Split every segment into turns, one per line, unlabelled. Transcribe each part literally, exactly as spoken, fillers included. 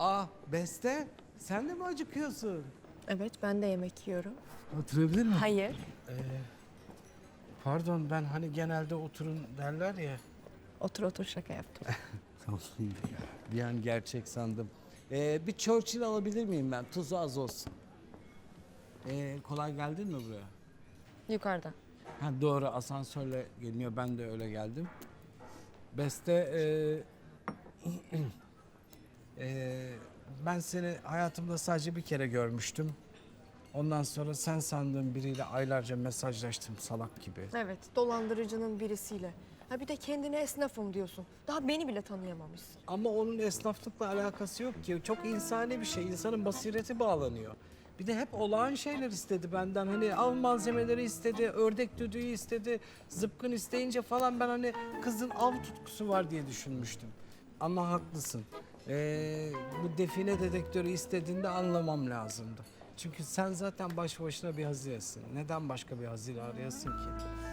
Aa Beste, sen de mi acıkıyorsun?
Evet, ben de yemek yiyorum.
Oturabilir miyim?
Hayır.
Ee, pardon, ben hani genelde oturun derler ya.
Otur otur, şaka yaptım.
Tamam. Bir an gerçek sandım. Ee, bir Churchill alabilir miyim ben? Tuzu az olsun. Ee, kolay geldin mi buraya?
Yukarıda.
Ha, doğru, asansörle geliniyor. Ben de öyle geldim. Beste, e, e, ben seni hayatımda sadece bir kere görmüştüm. Ondan sonra sen sandığım biriyle aylarca mesajlaştım salak gibi.
Evet, dolandırıcının birisiyle. Ha bir de kendine esnafım diyorsun. Daha beni bile tanıyamamışsın.
Ama onun esnaflıkla alakası yok ki. Çok insani bir şey. İnsanın basireti bağlanıyor. Bir de hep olağan şeyler istedi benden. Hani av malzemeleri istedi, ördek düdüğü istedi, zıpkın isteyince falan ben hani kızın av tutkusu var diye düşünmüştüm. Ama haklısın. Ee, bu define dedektörü istediğinde anlamam lazımdı. Çünkü sen zaten başlı başına bir hazinesin. Neden başka bir hazine arayasın ki?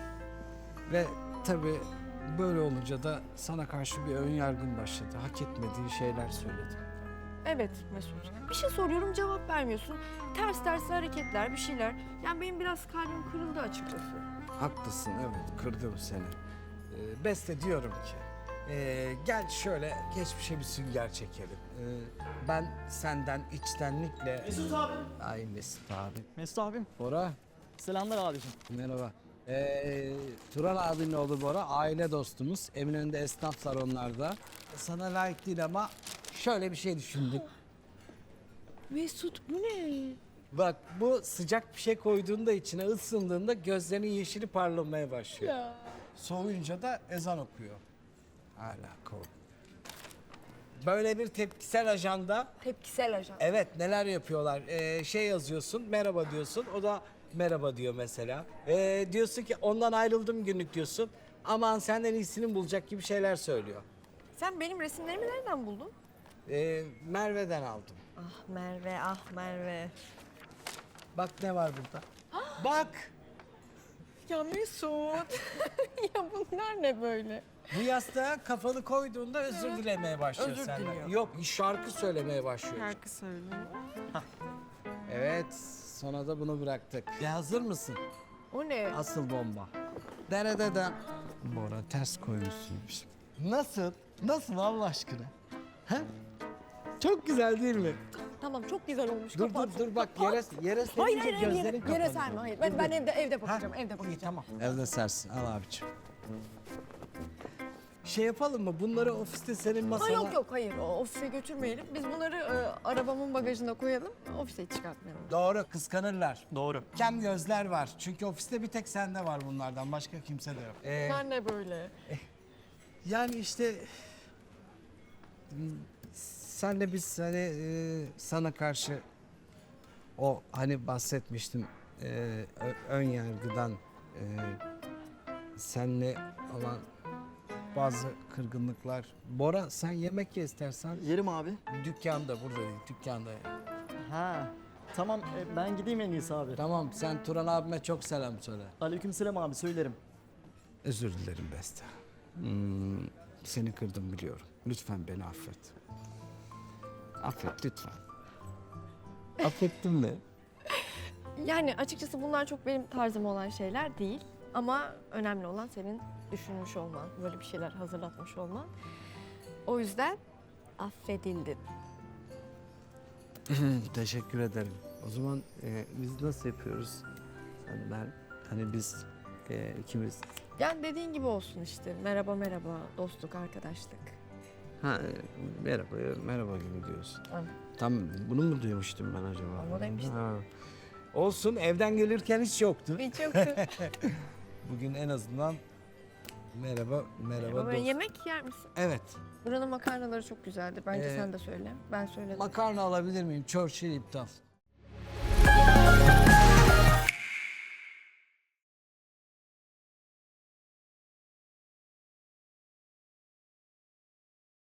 Ve tabii böyle olunca da sana karşı bir ön yargın başladı. Hak etmediğin şeyler söyledim.
Evet Mesut. Bir şey soruyorum, cevap vermiyorsun. Ters ters hareketler, bir şeyler. Yani benim biraz kalbim kırıldı açıkçası.
Haklısın, evet, kırdım seni. Ee, Beste, diyorum ki ee, gel şöyle geçmişe bir sünger çekelim. Ee, ben senden içtenlikle...
Mesut abi.
Ay Mesut abi.
Mesut abim.
Bora,
Selamlar abicim.
merhaba. Ee, Turan abinin oğlu Bora, aile dostumuz. Eminönü'nde esnaflar onlar da. Sana layık değil ama şöyle bir şey düşündük.
Mesut bu ne?
Bak, bu sıcak bir şey koyduğunda içine ısındığında gözlerinin yeşili parlamaya başlıyor.
Ya.
Soğuyunca da ezan okuyor. Hala kov. Böyle bir tepkisel ajanda,
Tepkisel ajan.
evet, neler yapıyorlar? Ee, şey yazıyorsun, merhaba diyorsun, o da merhaba diyor mesela. Ee, diyorsun ki ondan ayrıldım günlük diyorsun. Aman senden iyisini bulacak gibi şeyler söylüyor.
Sen benim resimlerimi nereden buldun?
Ee, Merve'den aldım.
Ah Merve, ah Merve.
Bak ne var burada. Bak!
Ya Mesut. Ya bunlar ne böyle?
Bu yastığa kafanı koyduğunda özür dilemeye başlıyor
Özür
senden.
diliyor.
Yok, şarkı söylemeye başlıyor.
Şarkı söylüyor.
Evet, sonra da bunu bıraktık. Ya hazır mısın?
O ne?
Asıl bomba. Derededen. Bora, ters koymuşsun. Nasıl? Nasıl Allah aşkına? Ha? Çok güzel değil mi?
Tamam, çok güzel olmuş.
Dur
kapat.
dur dur bak,
Kapat.
yere yere
Hayır
serince
hayır hayır,
gözlerin
yere,
kapanıyor.
yere serme, hayır. Ben, ben evde evde bakacağım, evde bakacağım.
İyi, tamam. Evde sersin, al abiciğim. Şey yapalım mı? Bunları ofiste senin
Ha,
masana...
yok yok hayır, o ofise götürmeyelim. Biz bunları e, arabamın bagajına koyalım, ofise çıkartmayalım.
Doğru, kıskanırlar.
Doğru.
Kem gözler var. Çünkü ofiste bir tek sende var bunlardan. Başka kimse de yok. Ee,
Bunlar ne böyle?
yani işte... Senle biz hani e, sana karşı o hani bahsetmiştim e, ö- ön yargıdan e, senle olan bazı kırgınlıklar. Bora, sen yemek ye istersen.
Yerim abi.
Dükkanda, burada değil, dükkanda.
Ha. Tamam e, ben gideyim en iyisi abi.
Tamam, sen Turan abime çok selam söyle.
Aleykümselam abi söylerim.
Özür dilerim Beste. Hmm, seni kırdım biliyorum. Lütfen beni affet. Affet lütfen. Affettin mi?
Yani açıkçası bunlar çok benim tarzım olan şeyler değil. Ama önemli olan senin düşünmüş olman, böyle bir şeyler hazırlatmış olman. O yüzden affedildin.
Teşekkür ederim. O zaman e, biz nasıl yapıyoruz? Hani ben, hani biz e, ikimiz.
Yani dediğin gibi olsun işte. Merhaba merhaba, dostluk, arkadaşlık.
Ha, e, merhaba, merhaba gibi diyorsun.
Aynen.
Tam bunu mu duymuştum ben acaba?
Onu demiştim.
Ha. Olsun, evden gelirken hiç yoktu.
Hiç yoktu.
Bugün en azından merhaba, merhaba
Ama
dost.
yemek yer misin?
Evet.
Buranın makarnaları çok güzeldir. Bence
Ee,
sen de söyle. Ben söyledim.
Makarna alabilir miyim? Churchill iptal.